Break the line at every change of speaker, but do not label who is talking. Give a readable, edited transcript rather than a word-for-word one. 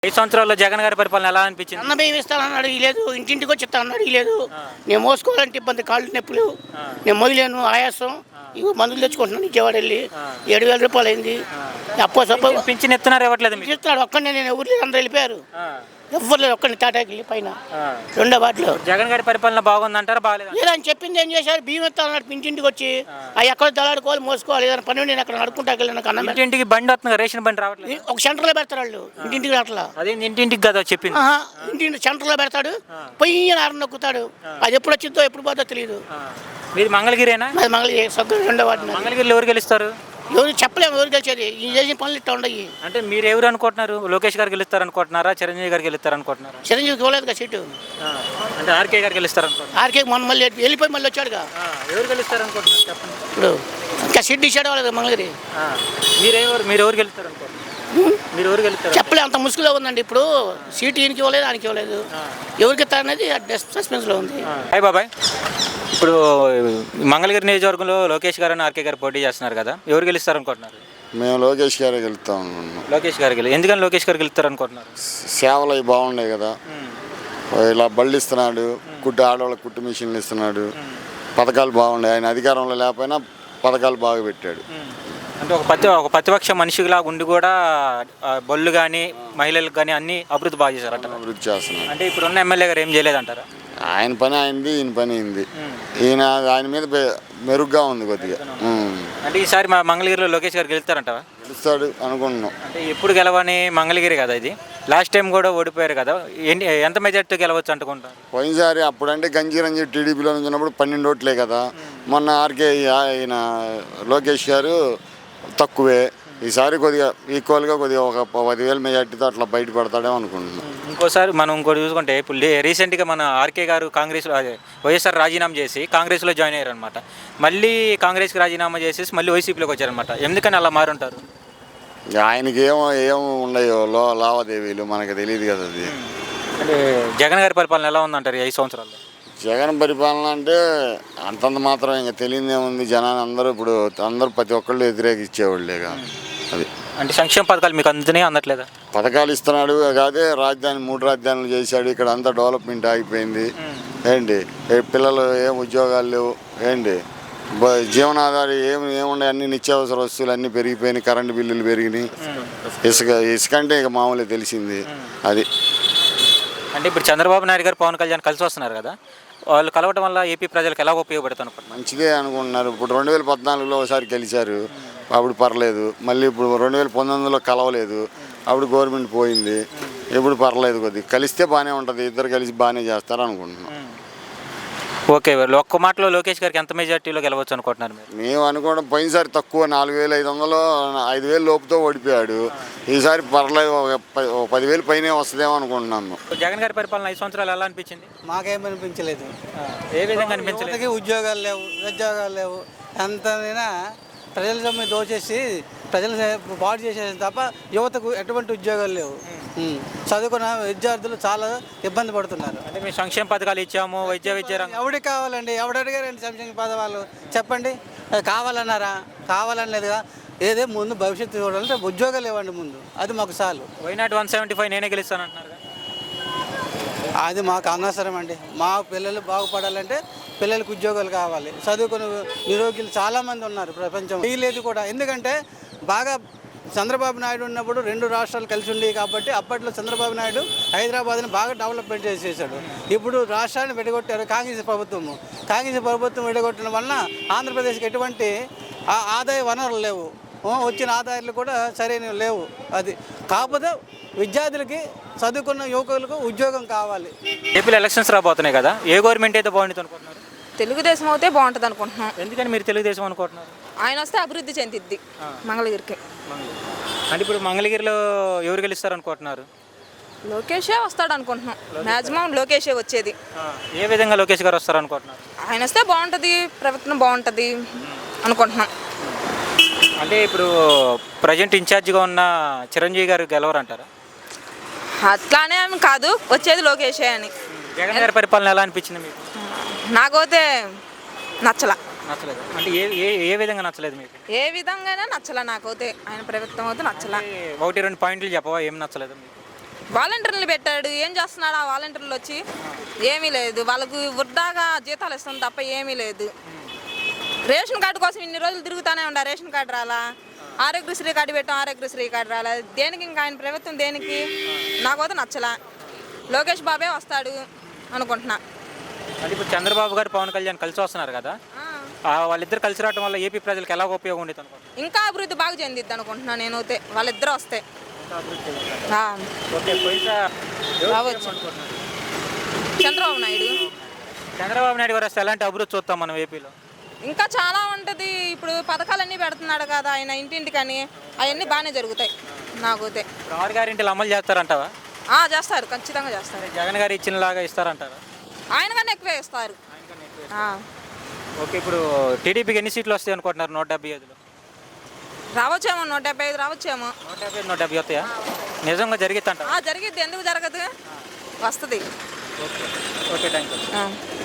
5 సంవత్సరాల్లో జగన్ గారి పరిపాలన ఎలా అనిపించింది?
అన్న బియ్యం ఇస్తానన్నాడు ఇలేదు, ఇంటింటికి వచ్చి ఇస్తానన్నాడు ఇలేదు. నేను మోసుకోవాలంటే ఇబ్బంది, కాళ్ళు నొప్పులు, నేను మొదలేను ఆయాసం. ఇవి మందులు తెచ్చుకుంటున్నాను విజయవాడ వెళ్ళి. 7,000 రూపాయలు అయింది. అప్పో సప్పో
పింఛన్ ఇస్తున్నారు ఇవ్వట్లేదు మీకు?
ఇస్తున్నాడు. ఒక్కడిని నేను ఊర్లో అందరూ వెళ్ళిపోయారు, ఎవ్వరు లేదు. ఒక్కడిని తాటాకి పైన రెండో వాటిలో.
జగన్ గారి పరిపాలన బాగుందంటారా బాగాలేదు?
లేదని చెప్పింది ఏం చేశారు, బియ్యం ఇస్తానన్నాడు ఇంటింటికి వచ్చి. అవి ఎక్కడ దళాడుకోవాలి, మోసుకోవాలి. ఏదైనా పని నేను అక్కడ నడుకుంటాకి వెళ్ళిన కన్నా
ఇంటింటికి బండి వస్తుంది, రేషన్ బండి రావట్లేదు.
ఒక సెంటర్లో పెడతారు వాళ్ళు, ఇంటింటికి అట్లా.
అదే ఇంటింటికి కదా చెప్పింది.
ఇంటింటి సెంటర్లో పెడతాడు, పొయ్యి ఆరు నొక్కుతాడు. అది ఎప్పుడు వచ్చిందో ఎప్పుడు పోతుందో తెలియదు.
మీది మంగళగిరేనా?
అది మంగళగిరి సొంత రెండో వాటిని.
మంగళగిరిలో ఎవరు గెలుస్తారు?
ఎవరు చెప్పలేము, ఎవరు గెలిచేది. ఈ చేసిన పనులు ఇట్లా ఉండయి.
అంటే మీరు ఎవరు అనుకుంటున్నారు? లోకేష్ గారు గెలుస్తారు అనుకుంటున్నారా, చిరంజీవి గారు గెలుస్తారు అనుకుంటున్నారా?
చిరంజీవికి ఇవ్వలేదు కదా సీటు.
అంటే ఆర్కే గారు గెలుస్తారు అనుకుంటున్నారు.
ఆర్కే మొన్న మళ్ళీ వెళ్ళిపోయి మళ్ళీ వచ్చాడుగా.
ఎవరు గెలుస్తారు అనుకుంటున్నారు చెప్పండి.
ఇప్పుడు ఇంకా సీట్ ఇచ్చాడు వాళ్ళది మంగళగిరి.
మీరు ఎవరు గెలుస్తారు అనుకుంటున్నారు? మీరు ఎవరు గెలుస్తారు
చెప్పలే, అంత ముసుగులో ఉందండి. ఇప్పుడు సీటు ఈయనకి ఇవ్వలేదు, ఆయనకి ఇవ్వలేదు. ఎవరికి ఇస్తారనేది సస్పెన్స్లో ఉంది.
హాయ్ బాబాయ్, ఇప్పుడు మంగళగిరి నియోజకవర్గంలో లోకేష్ గారు అని ఆర్కే గారు పోటీ చేస్తున్నారు కదా, ఎవరు గెలుస్తారు అనుకుంటున్నారు?
మేము లోకేష్ గారే గెలుస్తాం అనుకుంటున్నాం.
లోకేష్ గారు ఎందుకని లోకేష్ గారు గెలుస్తారు అనుకుంటున్నారు?
సేవలు అవి బాగున్నాయి కదా, ఇలా బళ్ళు ఇస్తున్నాడు, ఆడవాళ్ళకి కుట్టు మిషన్లు ఇస్తున్నాడు, పథకాలు బాగున్నాయి. ఆయన అధికారంలో లేకపోయినా పథకాలు బాగా పెట్టాడు.
అంటే ఒక ప్రతిపక్ష మనిషిలా ఉండి కూడా బళ్ళు కానీ మహిళలకు కానీ అన్ని అభివృద్ధి బాగా చేశారంట.
అభివృద్ధి చేస్తున్నాడు.
అంటే ఇప్పుడున్న ఎమ్మెల్యే గారు ఏం చేయలేదంటారా?
ఆయన పని అయింది, ఈయన పని అయింది. ఆయన మీద మెరుగ్గా ఉంది కొద్దిగా.
అంటే ఈసారి మా మంగళగిరిలో లోకేష్ గారు గెలుస్తారంటావా?
గెలుస్తాడు అనుకుంటున్నాం.
అంటే ఎప్పుడు గెలవని మంగళగిరి కదా ఇది, లాస్ట్ టైం కూడా ఓడిపోయారు కదా, ఎంత మెజార్టీ గెలవచ్చు అనుకుంటారు?
పోయినసారి అప్పుడంటే గంజీరంజీ టీడీపీలో ఉన్నప్పుడు 12 ఓట్లే కదా. మొన్న ఆర్కే ఆయన లోకేష్ గారు తక్కువే. ఈసారి కొద్దిగా ఈక్వల్గా కొద్దిగా ఒక 10,000 మెజార్టీతో అట్లా బయటపడతాడేమో అనుకుంటున్నాం.
ఇంకోసారి మనం ఇంకోటి చూసుకుంటే ఇప్పుడు రీసెంట్గా మన ఆర్కే గారు కాంగ్రెస్లో వైఎస్ఆర్ రాజీనామా చేసి కాంగ్రెస్లో జాయిన్ అయ్యారు అనమాట. మళ్ళీ కాంగ్రెస్కి రాజీనామా చేసేసి మళ్ళీ వైసీపీలోకి వచ్చారనమాట. ఎందుకని అలా మారుంటారు?
ఆయనకి ఏమో ఉన్నాయో లావాదేవీలు మనకు తెలియదు కదా. అది
అంటే జగన్ గారి పరిపాలన ఎలా ఉందంటారు ఈ 5 సంవత్సరాల్లో?
జగన్ పరిపాలన అంటే అంతంత మాత్రం ఇంకా తెలియదేముంది. జనాన్ని అందరూ ప్రతి ఒక్కళ్ళు వ్యతిరేకించేవాళ్ళేగా. అది
అంటే సంక్షేమ పథకాలు మీకు అందుతున్నాయి అందట్లేదా?
పథకాలు ఇస్తున్నాడు కాదే, 3 రాజధానులు చేశాడు. ఇక్కడ అంతా డెవలప్మెంట్ ఆగిపోయింది. ఏంటి పిల్లలు ఏం ఉద్యోగాలు లేవు. ఏంటి జీవనాధారం ఏముండే, అన్ని నిత్యావసర వస్తువులు అన్నీ పెరిగిపోయినాయి. కరెంటు బిల్లులు పెరిగినాయి. ఇసుక అంటే ఇక మామూలుగా తెలిసింది. అది
అంటే ఇప్పుడు చంద్రబాబు నాయుడు గారు పవన్ కళ్యాణ్ కలిసి వస్తున్నారు కదా, వాళ్ళు కలవటం వల్ల ఏపీ ప్రజలకు ఎలా ఉపయోగపడుతుంది?
మంచిదే అనుకుంటున్నారు. ఇప్పుడు 2014లో ఒకసారి గెలిచారు, అప్పుడు పర్లేదు. మళ్ళీ ఇప్పుడు 2019లో కలవలేదు, అప్పుడు గవర్నమెంట్ పోయింది. ఇప్పుడు పర్లేదు, కొద్దిగా కలిస్తే బాగానే ఉంటుంది. ఇద్దరు కలిసి బాగానే చేస్తారు అనుకుంటున్నాం.
ఓకే, ఒక్క మాటలో లోకేష్ గారికి ఎంత మెజార్టీలో గెలవచ్చు అనుకుంటున్నారు మీరు?
మేము అనుకోవడం పోయినసారి తక్కువ 4,500, 5,000 లోపుతో ఓడిపోయాడు. ఈసారి పర్లేదు, 10,000 పైనే వస్తుందేమో అనుకుంటున్నాము.
జగన్ గారి పరిపాలన 5 సంవత్సరాలు ఎలా అనిపించింది?
మాకేం అనిపించలేదు.
ఏ విధంగా అనిపించలేదు?
ఉద్యోగాలు లేవు, ఉద్యోగాలు లేవు. ఎంతైనా ప్రజల సొమ్ము దోచేసి ప్రజలు పాడు చేసేది తప్ప యువతకు ఎటువంటి ఉద్యోగాలు లేవు. చదువుకున్న విద్యార్థులు చాలా ఇబ్బంది పడుతున్నారు.
అంటే మేము సంక్షేమ పథకాలు ఇచ్చాము, విద్య
ఎవరికి కావాలండి? ఎవడు అడిగారండి సంక్షేమ పథకాలు? చెప్పండి. కావాలన్నారా? కావాలనేదిగా. ఏదే ముందు భవిష్యత్తు చూడాలంటే ఉద్యోగాలు ఇవ్వండి ముందు, అది మాకు చాలు.
వైనాట్ 175 నేనే గెలుస్తాను అంటున్నారు.
అది మాకు అనవసరం అండి. మా పిల్లలు బాగుపడాలంటే పిల్లలకు ఉద్యోగాలు కావాలి. చదువుకుని నిరోగ్యులు చాలామంది ఉన్నారు ప్రపంచం. లేదు కూడా. ఎందుకంటే బాగా చంద్రబాబు నాయుడు ఉన్నప్పుడు 2 రాష్ట్రాలు కలిసి ఉండేవి కాబట్టి అప్పట్లో చంద్రబాబు నాయుడు హైదరాబాద్ని బాగా డెవలప్మెంట్ చేసేసాడు. ఇప్పుడు రాష్ట్రాన్ని విడగొట్టారు కాంగ్రెస్ ప్రభుత్వము. కాంగ్రెస్ ప్రభుత్వం విడగొట్టడం వలన ఆంధ్రప్రదేశ్కి ఎటువంటి ఆదాయ వనరులు లేవు. వచ్చిన ఆదాయాలు కూడా సరైనవి లేవు. అది కాకపోతే విద్యార్థులకి, చదువుకున్న యువకులకు ఉద్యోగం కావాలి.
ఏపీలో ఎలక్షన్స్ రాబోతున్నాయి కదా, ఏ గవర్నమెంట్ అయితే బాగుంటుంది అనుకుంటున్నారు?
తెలుగుదేశం అయితే బాగుంటుంది అనుకుంటున్నాం.
ఎందుకని మీరు తెలుగుదేశం అనుకుంటున్నారు?
ఆయన వస్తే అభివృద్ధి చెందిద్ది మంగళగిరికి.
అంటే ఇప్పుడు మంగళగిరిలో ఎవరు గెలుస్తారు అనుకుంటున్నారు?
లోకేషే వస్తాడు అనుకుంటున్నాం. మ్యాక్సిమం లోకేషే వచ్చేది.
ఏ విధంగా లోకేష్ గారు వస్తారు అనుకుంటున్నారు?
ఆయన వస్తే బాగుంటుంది, ప్రభుత్వం బాగుంటుంది అనుకుంటున్నాం.
అంటే ఇప్పుడు ప్రజెంట్ ఇన్ఛార్జిగా ఉన్న చిరంజీవి గారు గెలవరంటారా?
అట్లానే కాదు, వచ్చేది లోకేషే అని.
జగన్ గారి పరిపాలన ఎలా అనిపించింది మీకు?
నాకైతే నచ్చలేదు.
అంటే ఏ విధంగా నచ్చలేదు మీకు?
ఏ విధంగానే నచ్చలే నాకైతే. ఆయన ప్రభుత్వం అయితే నచ్చలే.
1-2 పాయింట్లు చెప్పవా ఏం నచ్చలేదు మీకు?
వాలంటీర్లు పెట్టాడు, ఏం చేస్తున్నాడు ఆ వాలంటీర్లు వచ్చి? ఏమీ లేదు, వాళ్ళకు వృద్ధాగా జీతాలు ఇస్తాం తప్ప ఏమీ లేదు. రేషన్ కార్డు కోసం ఇన్ని రోజులు తిరుగుతూనే ఉండా, రేషన్ కార్డు రాలా. ఆరోగ్యశ్రీ కార్డు పెట్టాం, ఆరోగ్యశ్రీ కార్డు రాలా. దేనికి ఇంకా ఆయన ప్రభుత్వం దేనికి? నాకైతే నచ్చలా. లోకేష్ బాబే వస్తాడు అనుకుంటున్నా.
అంటే ఇప్పుడు చంద్రబాబు గారు పవన్ కళ్యాణ్ కలిసి వస్తున్నారు కదా, వాళ్ళిద్దరు కలిసి రావడం వల్ల ఏపీ ప్రజలకు ఎలా ఉపయోగం ఉండేది అనుకుంటున్నారు?
ఇంకా అభివృద్ధి బాగా చెందిద్ది అనుకుంటున్నా నేనైతే, వాళ్ళిద్దరు వస్తే.
ఓకే,
రావచ్చు. చంద్రబాబు నాయుడు
గారు వస్తే ఎలాంటి అభివృద్ధి చూస్తాం మనం ఏపీలో?
ఇంకా చాలా ఉంటుంది. ఇప్పుడు పథకాలన్నీ పెడుతున్నాడు కదా ఆయన ఇంటింటికని, అవన్నీ బాగానే జరుగుతాయి నాకైతే.
6 గ్యారెంటీలు అమలు చేస్తారంటావా?
చేస్తారు, ఖచ్చితంగా చేస్తారు.
జగన్ గారు ఇచ్చినలాగా ఇస్తారంటారా?
ఆయన కన్నా ఎక్కువే ఇస్తారు.
ఓకే, ఇప్పుడు టీడీపీకి ఎన్ని సీట్లు వస్తాయి అనుకుంటున్నారు? 175లో
రావచ్చేమో, 175 రావచ్చేమో.
150, 170 వస్తాయా? నిజంగా జరిగిద్దంట?
జరిగిద్ది, ఎందుకు జరగదు? వస్తుంది.
Okay, thank you.